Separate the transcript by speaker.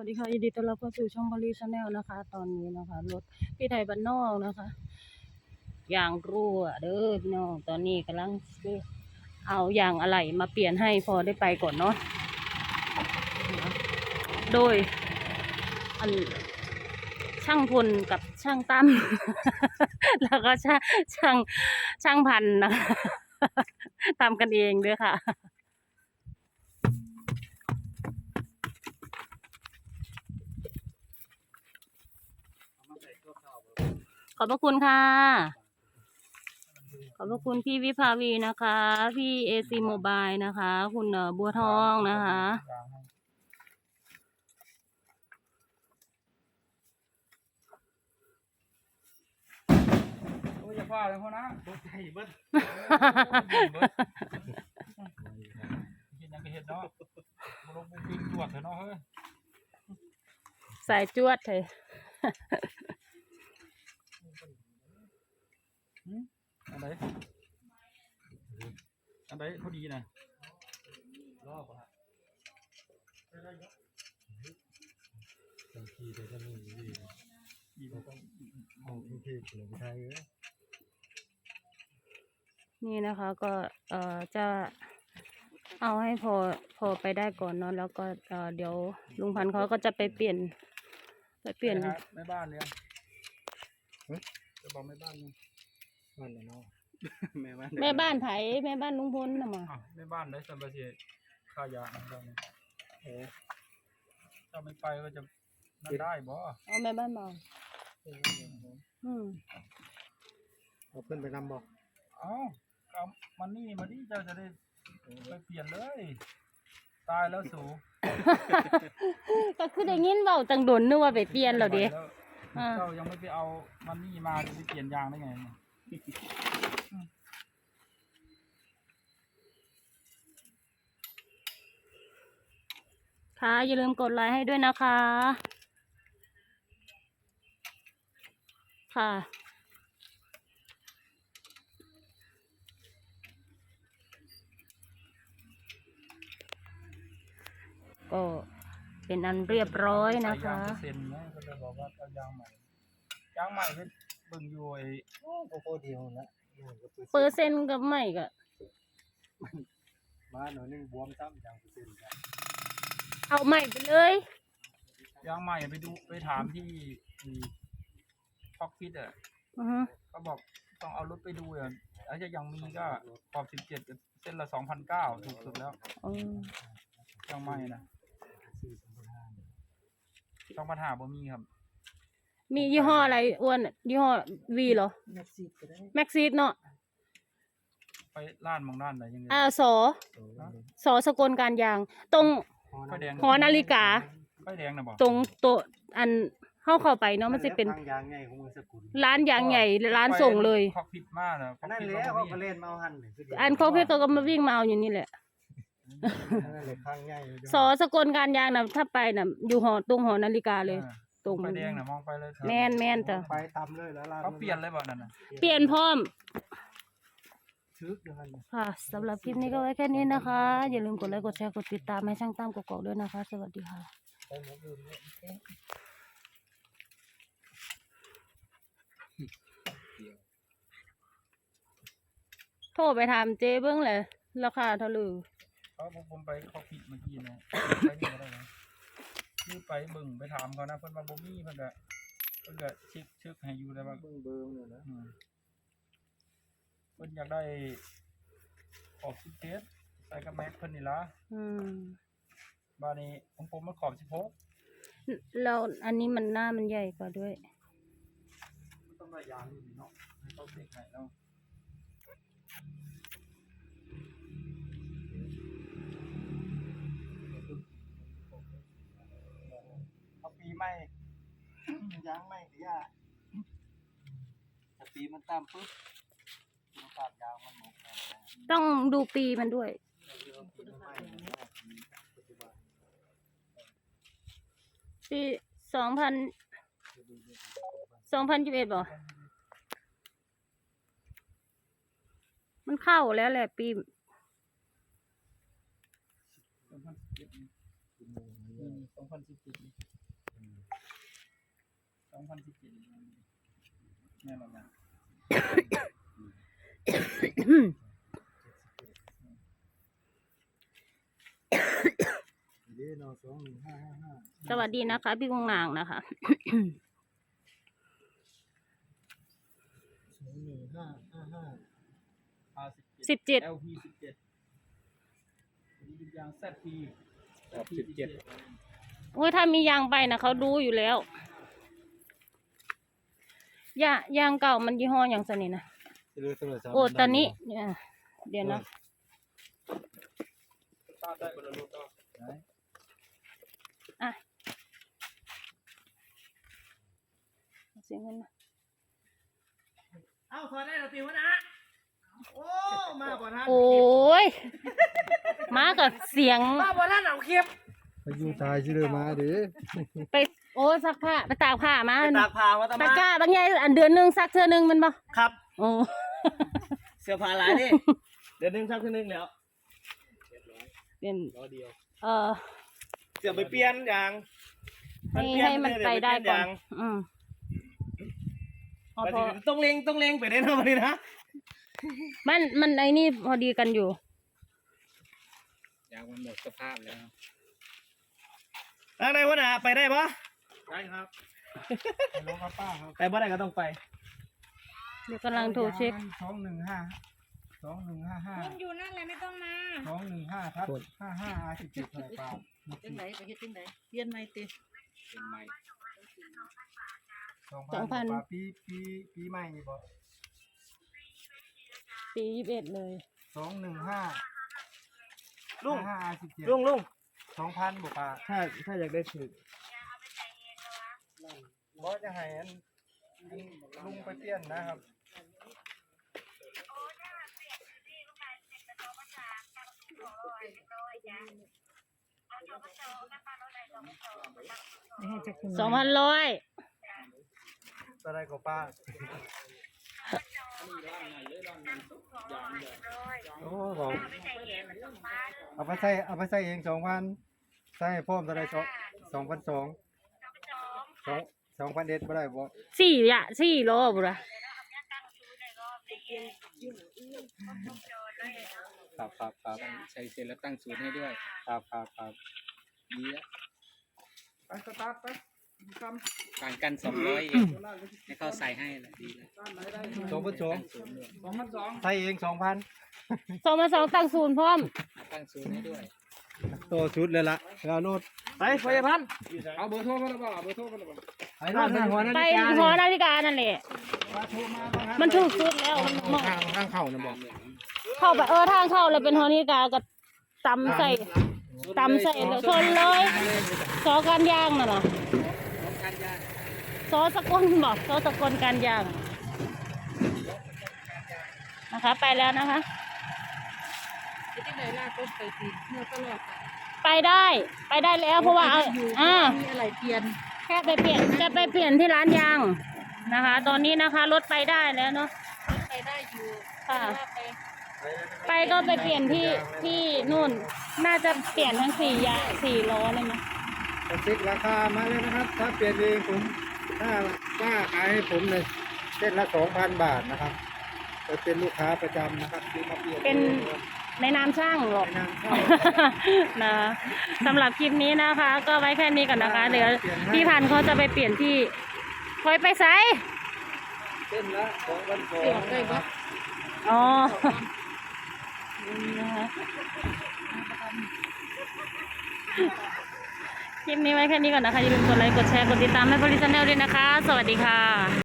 Speaker 1: วัสดีค่ะยินดีต้อนรับเข้าสู่ช่องบริชาแนลนะคะตอนนี้นะคะรถพี่ไทยบ้านนอกนะคะอย่างรั่วเด้อพี่น้องตอนนี้กำลังเอาอย่างอะไรมาเปลี่ยนให้พอได้ไปก่อนเนาะโดยอันช่างพลกับช่างตั้ม แล้วก็ช่างพันนะคะทำกันเองด้วยค่ะขอบพระคุณค่ะขอบพระคุณพี่วิภาวีนะคะพี่เอซีโมบายนะคะคุณบัวทองนะคะ
Speaker 2: โอ้ยอย่าว่าเลยพ่อนะตกใจเบิดเห็นยังก็เห็นเนาะลงปิ้งจวดเถอะเนาะเฮ้ย
Speaker 1: สายจวดเลย
Speaker 2: อันไหนอันไหนพอดีนะรอบอ่ะ
Speaker 3: บางทีแต่ก็มีดีเราต้องเอาทุกที่เหลือไทย
Speaker 1: นี่นะคะก็จะเอาให้พอไปได้ก่อนเนาะแล้วก็เดี๋ยวลุงพันธุ์เขาก็จะไปเปลี่ยน
Speaker 2: แม่บ้านเนี่ยจะบอกแม่บ้านเนี่ย
Speaker 3: บ้านไหนเนาะ
Speaker 1: แม่บ้านไผแม่บ้านลุงพลน่ะมา
Speaker 2: แม่บ้านได้สัมปทานค่ายาของเราเนี่ยถ้าไม่ไปก็จะนั่นได้บ่
Speaker 1: เอาแม่บ้านบอก
Speaker 3: เอาเพื่อนไปนำบอก
Speaker 2: เอามันนี่มาดิเจ้าจะได้ไปเปลี่ยนเลยตายแล้วสู
Speaker 1: ก็คือได้ยินเว้าตังดนนึกว่าไปเปลี่ยนแล้วเด้
Speaker 2: เจ้ายังไม่ไปเอามันนี่มาจะไปเปลี่ยนยางได้ไง
Speaker 1: ค่ะอย่าลืมกดไลค์ให้ด้วยนะคะค่ะก็เป็นอันเรียบร้อยนะคะ
Speaker 2: ยางเซ็นนะก็จะบอกว่าเอายางใหม่เป็นเบิ่งอยู่ไอ้
Speaker 3: โคเดียวนะ
Speaker 1: เปอร์เซ็นต์กับไม่ก็
Speaker 3: มาหน่อยนึงบวมซ้ำอย่างเปอร์เซ็นต์กัน
Speaker 1: เอาใหม่ไปเลย
Speaker 2: ยางใหม่ไปถามที่พ็อกฟิตก็บอกต้องเอารถไปดูอ่ะแล้วจะยังมีก็ขอบ17เส้นละ2,900ถูกสุดแล้วยางใหม่นะ2,500บ่มีครับ
Speaker 1: มียี่ห้ออะไรอ้วนยี่ห้อวีเหรอแม็กซีดเนาะ
Speaker 2: ไปร้านมองด้านไหนยังไง
Speaker 1: สอสกลการยางตรงหอนาฬิกา
Speaker 2: ไฟแดงนะบอก
Speaker 1: ตรงโต๊ะอันเข้าไปเนาะมันจะเป็นร้านยางใหญ่ร้านส่งเลย
Speaker 2: เขาผิดมากนะ
Speaker 3: นั่นเลยเขาเล่นมาหัน
Speaker 1: อันเขาเพื่อก็มาวิ่งมาเอาอยู่นี่แหละสอสกลการยางนะถ้าไปนะอยู่ตรงหอนาฬิกาเลยตรง
Speaker 2: ไฟแดงนะมองไปเลย
Speaker 1: แมนจ้ะ
Speaker 3: ไปตำเลยแล้ว
Speaker 2: เขาเปลี่ยนเลยบ่นั่นนะ
Speaker 1: เปลี่ยนพร้อมค่ะสำหรับคลิปนี้ก็ไว้แค่นี้นะคะอย่าลืมกดไลค์กดแชร์กดติดตามให้ช่างตั้มกกอกด้วยนะคะสวัสดีค่ะโทรไปถามเจ๊เบิ้งเลยราคาเท่าไหร่
Speaker 2: ผมไปเขาผิดเมื่อกี้นะไปนี่ก็ได้นะคือไปเบิ่งไปถามเขานะเพิ่นว่าบ่มีเพิ่นก็ชึกให้อยู่ได้ว่า
Speaker 3: เบิ่งเลยนะ
Speaker 2: เพิ่นอยากได้ขอบ17ใส่กับแม็กเพิ่นนี่ล่ะบ้านนี้ของผมมันขอบ16
Speaker 1: แล้วอันนี้มันหน้ามันใหญ่กว่าด้วย
Speaker 2: ต้องได้ยางนี่เนาะให้เขาเช็คให้เนาะเอาปีใหม่ยางใหม่เดี๋ยวถ้าปีมันตามปุ๊บมันขาดยางมันหมด
Speaker 1: ต้องดูปีมันด้วยปี2021บ่มันเข้าแล้วแหละปี
Speaker 2: 2017 แม่นบ่
Speaker 3: เดี๋ยวเรา215555
Speaker 1: สวัสดีนะคะ พี่กงนางนะคะ
Speaker 3: 21555
Speaker 1: 17
Speaker 2: LP 17นี่เป็นยาง ZP
Speaker 1: โอ้ยถ้ามียางใบนะเขารู้อยู่แล้วยางเก่ามันยี่ห้ออย่างสนิทนะโอ้ตอนนี้เนี่ยเดี๋ยวนะ
Speaker 2: ตาได้บรรลุต่อ
Speaker 1: อ่ะเสียงกันนะ
Speaker 4: เอ้าถอดได้เหรอติวนะโอ้มาบ่ทัน
Speaker 1: โอ้ยมากับเสียง
Speaker 4: มาบ่ทันเอาคลิป
Speaker 3: ไปอยู่ตายชื่อเลยมาดิ
Speaker 1: ไปโอ้ซักผ้าไปตากผ้ามา
Speaker 4: ไปตากผ้ามาตะ
Speaker 1: ตะ
Speaker 4: มาก
Speaker 1: ร้าบางอย่างอันเดือนหนึงซักเทื่อหนึงมันบ่
Speaker 4: ครับ
Speaker 1: โอ้
Speaker 4: เสื้อผ้าหลายนี่เดี๋ยวนึงซักทีนึงแล้ว
Speaker 1: เป็น
Speaker 4: เสื้อไปเปลี่ยนอย่าง
Speaker 1: ให้มันไปได้ก่อนอืมพอ
Speaker 4: ต้องเล็งไปได้นะวันนี้นะ
Speaker 1: มันไอ้นี่พอดีกันอยู่
Speaker 2: ยางมันหมดสภาพแล้ว
Speaker 4: ทางไหนวะน่ะไปได้ปะ
Speaker 2: ได้ครับ
Speaker 3: ลงกับป้าครับ
Speaker 4: ไปบ่ได้ก็ต้องไป
Speaker 1: เดี๋ยวกำลังโทรเช็ค
Speaker 3: 2155
Speaker 5: คุณอยู่นั่นแหละไม่ต้องมา
Speaker 3: 215ครับ55 17อะไรป้า
Speaker 5: จังไหนไปเฮ็ดจังไหนเปลี่ยนใหม่ติ
Speaker 2: เป็นไม้
Speaker 3: 2,000ป้าปีใหม่นี่บ่
Speaker 1: ปี21เลย
Speaker 3: 215
Speaker 4: ลุง
Speaker 3: 55
Speaker 4: ลุง
Speaker 3: 2,000บ่ป้า
Speaker 4: ถ้าอยากได้ถือ
Speaker 3: บ่จะให้อันลุงไปเปลี่ยนนะครับ
Speaker 1: 2,100
Speaker 3: อะไรก็ป้าโอ้บอกเอาไปใส่เอง2,000ใส่ให้พร้อมเท่าไร2,200 2,100บ่ได้บ่
Speaker 1: 4 โลบุระ
Speaker 3: ครับ
Speaker 2: ใช้เสร็จแล้วตั้งศูนย์ให้ด้วย
Speaker 3: ครับ
Speaker 2: ดีแล้ว
Speaker 3: ไปสตาร์ทไปท
Speaker 2: ต่างกัน200เองให้เขาใส่ให้แหละดีแล้ว
Speaker 3: 2,200
Speaker 2: 2,200
Speaker 3: ใส่เอง2,000
Speaker 1: 2,200ตั้งศูนย์พร้อม
Speaker 2: ตั้งศูนย์ให้ด้วย
Speaker 3: โตชุดเลยล่ะแล้วโนด
Speaker 4: ไปพยาพันธ์
Speaker 2: เอาเบอร์โทรมาแล้วบ่เบอร์โทรมาแล้วบ่
Speaker 3: ไอ้โนดทางหัวนา
Speaker 1: ไป
Speaker 3: ฬิกา
Speaker 1: หอนาฬิกานั่นแหละ มันถูกสุดแล้วมันเหมาะ
Speaker 3: ทางเข้านะบอก
Speaker 1: เข้าไปทางเข้าแล้วเป็นหอนาฬิกาก็ตำใส่เลยชนเลยซอการย่างน่ะนะ
Speaker 2: การยาง
Speaker 1: ซอสกลบอกซอสกลการย่างนะคะ ไปแล้วนะคะ
Speaker 5: เฮ็ดจังไดล่ะต้นไปสิเมื่อตลอด
Speaker 1: ไปได้แล้วเพราะว่าเอา
Speaker 5: อยู่ มีอะไรเปลี่ยน
Speaker 1: แค่จะไปเปลี่ยนที่ร้านยางนะคะ ตอนนี้นะคะรถไปได้แล้วเนาะ
Speaker 5: ไปได้อยู่
Speaker 1: ค่ะ
Speaker 5: ว่าไป
Speaker 1: ก็ไปเปลี่ยนที่นู่น น่าจะเปลี่ยนทั้ง4 ล้อเลยมั้ย
Speaker 3: จะเช็คราคามาเลยนะครับ ถ้าเปลี่ยนเองผมถ้าป้าขายให้ผมเลยเส้นละ 2,000 บาทนะครับจะเป็นลูกค้าประจำนะครับที่มาเปลี่ยน
Speaker 1: เป็นในนามช่างหรอก
Speaker 3: ในนามช่าง
Speaker 1: นะสำหรับคลิปนี้นะคะ ก็ไว้แค่นี้ก่อนนะคะ เดี๋ยวพี่พันธุ์เขาจะไปเปลี่ยนที่คอยไปไส
Speaker 3: เส้นละ2,200
Speaker 5: เปลี่ยนได้บ่
Speaker 1: อ๋อนะคะคลิปนี้ไว้แค่นี้ก่อนนะคะ อย่าลืมกดไลค์ กดแชร์ กดติดตามให้บริษัทแนลด้วยนะคะ สวัสดีค่ะ